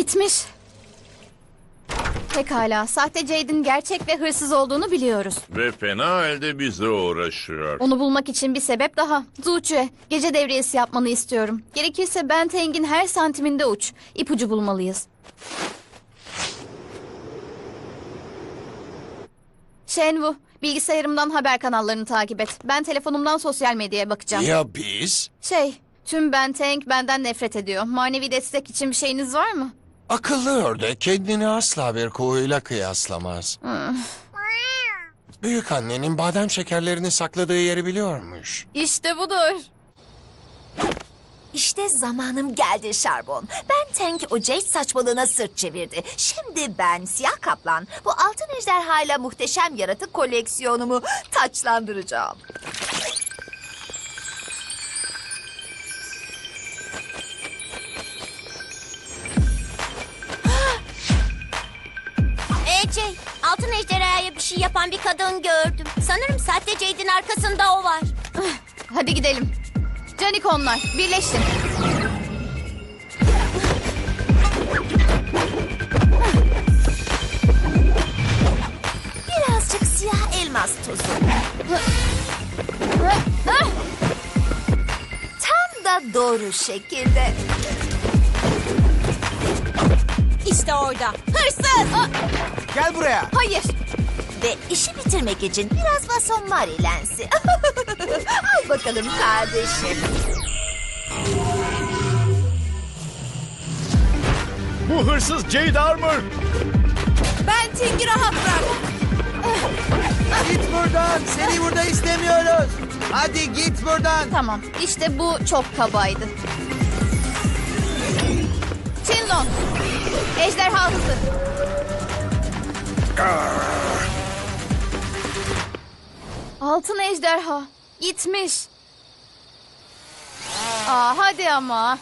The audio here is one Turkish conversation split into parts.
Gitmiş. Pekala, sahte Jade'in gerçek ve hırsız olduğunu biliyoruz. Ve fena halde bize uğraşıyor. Onu bulmak için bir sebep daha. Zuçue, gece devriyesi yapmanı istiyorum. Gerekirse Benteng'in her santiminde uç. İpucu bulmalıyız. Shenwu, bilgisayarımdan haber kanallarını takip et. Ben telefonumdan sosyal medyaya bakacağım. Ya biz? Tüm Benteng benden nefret ediyor. Manevi destek için bir şeyiniz var mı? Akıllı ördek kendini asla bir kuğuyla kıyaslamaz. Büyük annenin badem şekerlerini sakladığı yeri biliyormuş. İşte budur. İşte zamanım geldi Şarbon. Ben Tank o Jade saçmalığına sırt çevirdi. Şimdi ben Siyah Kaplan bu altın ejderhayla muhteşem yaratık koleksiyonumu taçlandıracağım. Jay, altın ejderhaya bir şey yapan bir kadın gördüm. Sanırım sahte Jade'in arkasında o var. Hadi gidelim. Canikonlar, birleşin. Birazcık siyah elmas tozu. Tam da doğru şekilde. İşte orada. Hırsız! Gel buraya. Hayır. Ve işi bitirmek için biraz Vason Mari lensi. Al bakalım kardeşim. Bu hırsız Jade Armor. Benteng'i rahat bırak. Git buradan. Seni burada istemiyoruz. Hadi git buradan. Tamam, işte bu çok kabaydı. Shinlong, ejderha hızı. Altın ejderha, gitmiş. Hadi ama.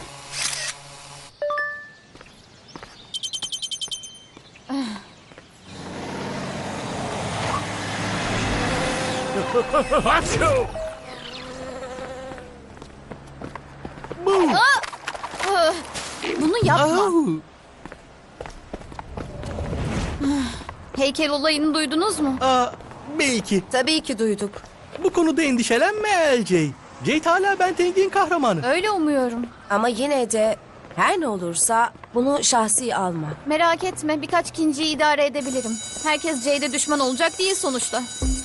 Bunu yapma. Heykel olayını duydunuz mu? Belki. Tabii ki duyduk. Bu konuda endişelenme LJ. Jade hala Benteng'in kahramanı. Öyle umuyorum. Ama yine de her ne olursa bunu şahsi alma. Merak etme, birkaç kinciyi idare edebilirim. Herkes Jade'e düşman olacak değil sonuçta.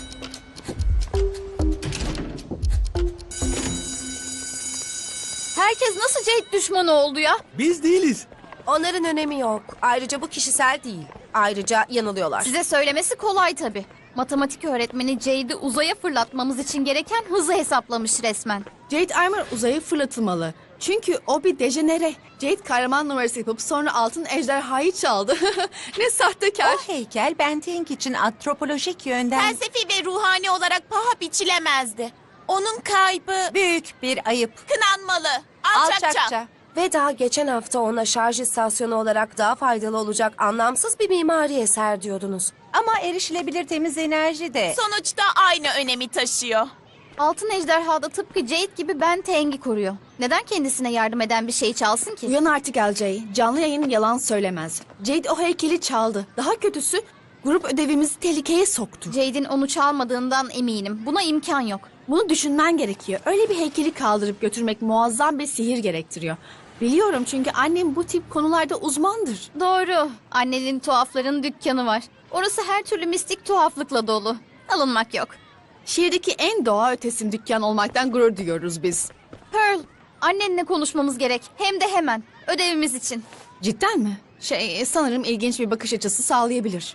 Herkes nasıl Jade düşmanı oldu ya? Biz değiliz. Onların önemi yok. Ayrıca bu kişisel değil. Ayrıca yanılıyorlar. Size söylemesi kolay tabii. Matematik öğretmeni Jade'i uzaya fırlatmamız için gereken hızı hesaplamış resmen. Jade Armor uzaya fırlatılmalı. Çünkü o bir dejenere. Jade kahraman numarası yapıp sonra altın ejderhayı çaldı. Ne sahtekar. O heykel Benteng için antropolojik yönden Felsefi ve ruhani olarak paha biçilemezdi. Onun kaybı büyük bir ayıp. kınanmalı. Alçakça. Ve daha geçen hafta ona şarj istasyonu olarak daha faydalı olacak anlamsız bir mimari eser diyordunuz. Ama erişilebilir temiz enerji de. Sonuçta aynı önemi taşıyor. Altın ejderha da tıpkı Jade gibi Benteng'i koruyor. Neden kendisine yardım eden bir şey çalsın ki? Uyan artık LJ. Canlı yayın yalan söylemez. Jade o heykeli çaldı. Daha kötüsü grup ödevimizi tehlikeye soktu. Jade'in onu çalmadığından eminim. Buna imkan yok. Bunu düşünmen gerekiyor. Öyle bir heykeli kaldırıp götürmek muazzam bir sihir gerektiriyor. Biliyorum çünkü annem bu tip konularda uzmandır. Doğru. Annenin tuhafların dükkanı var. Orası her türlü mistik tuhaflıkla dolu. Alınmak yok. Şehirdeki en doğa ötesi dükkan olmaktan gurur duyuyoruz biz. Pearl, annenle konuşmamız gerek. Hem de hemen. Ödevimiz için. Cidden mi? Sanırım ilginç bir bakış açısı sağlayabilir.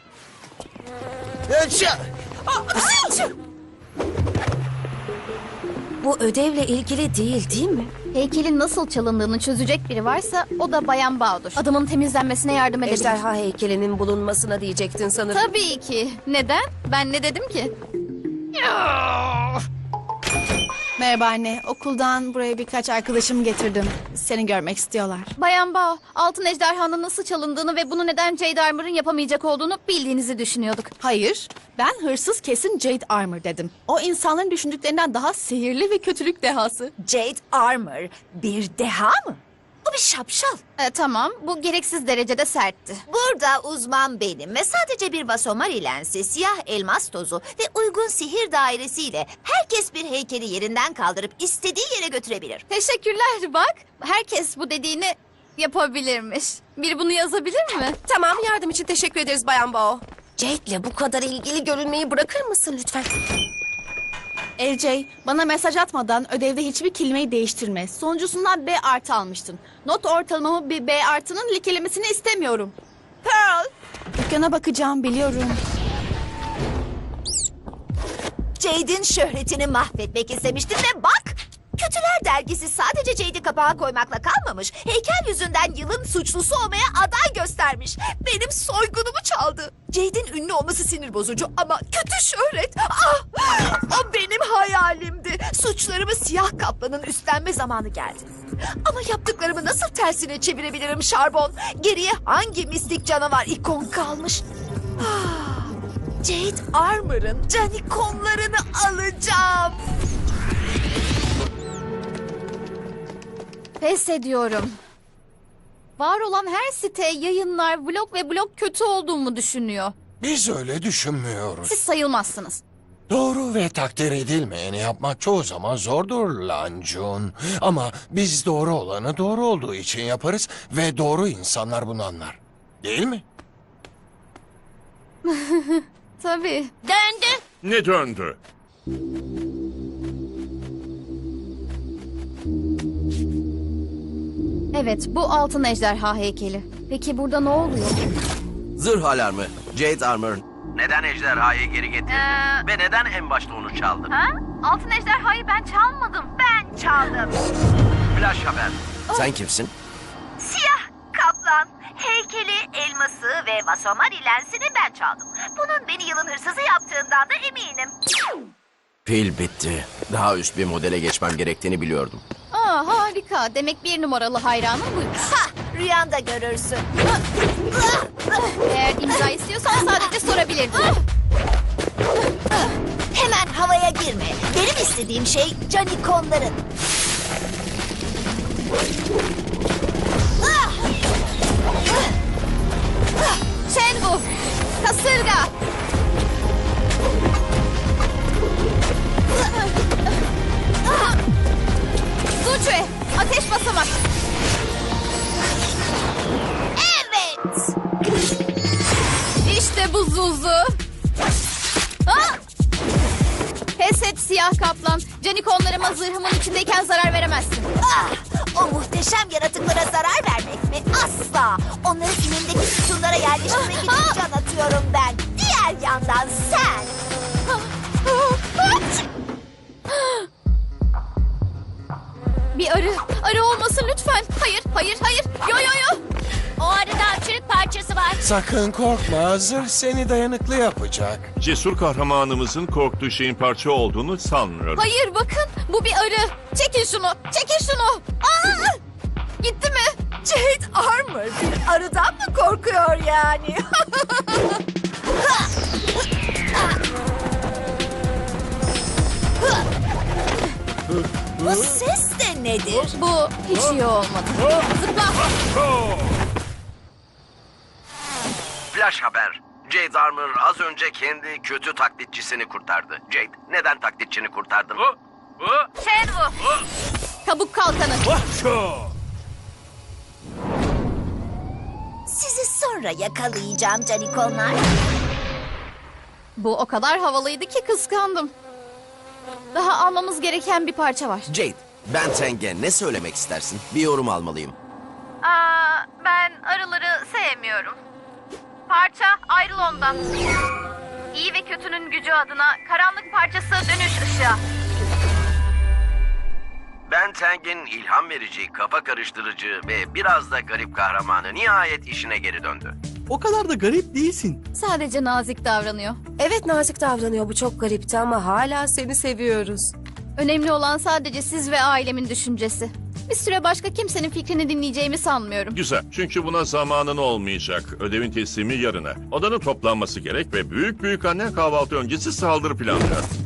Bu ödevle ilgili değil mi? Heykelin nasıl çalındığını çözecek biri varsa o da Bayan Bağdur. Adamın temizlenmesine yardım edebilir. Ejderha heykelinin bulunmasına diyecektin sanırım. Tabii ki. Neden? Ben ne dedim ki? Merhaba anne. Okuldan buraya birkaç arkadaşımı getirdim. Seni görmek istiyorlar. Bayan Bao, altın ejderhanın nasıl çalındığını ve bunu neden Jade Armor'ın yapamayacak olduğunu bildiğinizi düşünüyorduk. Hayır, ben hırsız kesin Jade Armor dedim. O insanların düşündüklerinden daha sihirli ve kötülük dehası. Jade Armor bir deha mı? Bu bir şapşal. Tamam, bu gereksiz derecede sertti. Burada uzman benim ve sadece bir vasomari lensi, siyah elmas tozu ve uygun sihir dairesiyle herkes bir heykeli yerinden kaldırıp istediği yere götürebilir. Teşekkürler bak. Herkes bu dediğini yapabilirmiş. Biri bunu yazabilir mi? Tamam, yardım için teşekkür ederiz Bayan Bao. Jade'le bu kadar ilgili görünmeyi bırakır mısın lütfen? LJ, bana mesaj atmadan ödevde hiçbir kelimeyi değiştirme. Sonuncusundan B artı almıştın. Not ortalamamı bir B artının likelemesini istemiyorum. Pearl, Dükkana bakacağım, biliyorum. Jade'in şöhretini mahvetmek istemiştin ve bak! Kötüler dergisi sadece Jade'i kapağa koymakla kalmamış. Heykel yüzünden yılın suçlusu olmaya aday göstermiş. Benim soygunumu çaldı. Jade'in ünlü olması sinir bozucu ama kötü şöhret. Ah! O benim hayalimdi. Suçlarımı siyah kaplanın üstlenme zamanı geldi. Ama yaptıklarımı nasıl tersine çevirebilirim Şarbon? Geriye hangi mistik canavar ikon kalmış? Ah! Jade Armor'ın canikonlarını alacağım. Pes ediyorum. Var olan her site, yayınlar, vlog ve blog kötü olduğumu düşünüyor. Biz öyle düşünmüyoruz. Siz sayılmazsınız. Doğru ve takdir edilmeyeni yapmak çoğu zaman zordur Lancun. Ama biz doğru olanı doğru olduğu için yaparız ve doğru insanlar bunu anlar. Değil mi? Tabii. Döndü. Ne döndü? Evet, bu altın ejderha heykeli. Peki burada ne oluyor? Zırh alarmı. Jade Armor. Neden ejderhayı geri getirdin? Ve neden en başta onu çaldın? Ha? Altın ejderhayı ben çalmadım. Ben çaldım. Flash haber. Sen kimsin? Siyah kaplan, heykeli, elması ve vasomari lensini ben çaldım. Bunun beni yılın hırsızı yaptığından da eminim. Pil bitti. Daha üst bir modele geçmem gerektiğini biliyordum. Aa, harika. Demek bir numaralı hayranım buymuş. Ha, rüyanda görürsün. Eğer imza istiyorsan sadece sorabilirdin. Hemen havaya girme. Benim istediğim şey canikonların. Shenwu, kasırga. Zuçue, ateş basamak. Evet. İşte bu Zuzu. Ah! Pes et siyah kaplan. Canikonlarıma zırhımın içindeyken zarar veremezsin. Ah, o muhteşem yaratıklara zarar vermek mi? Asla. Onları inimdeki sütunlara yerleştirmek için can atıyorum ben. Diğer yandan sen. Bir arı olmasın lütfen. Hayır, hayır, hayır. Yo yo yo. O arada çürük parçası var. Sakın korkma, zırh seni dayanıklı yapacak. Cesur kahramanımızın korktuğu şeyin parça olduğunu sanmıyorum. Hayır bakın, bu bir arı. Çekin şunu, çekin şunu. Aa! Gitti mi? Jade Armor bir arıdan mı korkuyor yani? Bu ses de nedir? Bu hiç iyi olmadı. Zıpla. Flash haber. Jade Armor az önce kendi kötü taklitçisini kurtardı. Jade, neden taklitçini kurtardın? Shenwu. Kabuk kalkanı. Sizi sonra yakalayacağım canikonlar. Bu o kadar havalıydı ki kıskandım. Daha almamız gereken bir parça var. Jade, ben Teng'e ne söylemek istersin? Bir yorum almalıyım. Ben arıları sevmiyorum. Parça ayrıl ondan. İyi ve kötünün gücü adına karanlık parçası dönüş ışığa. Ben Teng'in ilham verici, kafa karıştırıcı ve biraz da garip kahramanı nihayet işine geri döndü. O kadar da garip değilsin. Sadece nazik davranıyor. Evet, nazik davranıyor, bu çok garipti ama hala seni seviyoruz. Önemli olan sadece siz ve ailemin düşüncesi. Bir süre başka kimsenin fikrini dinleyeceğimi sanmıyorum. Güzel. Çünkü buna zamanın olmayacak. Ödevin teslimi yarına. Odanın toplanması gerek ve büyük annen kahvaltı öncesi saldırı planlıyor.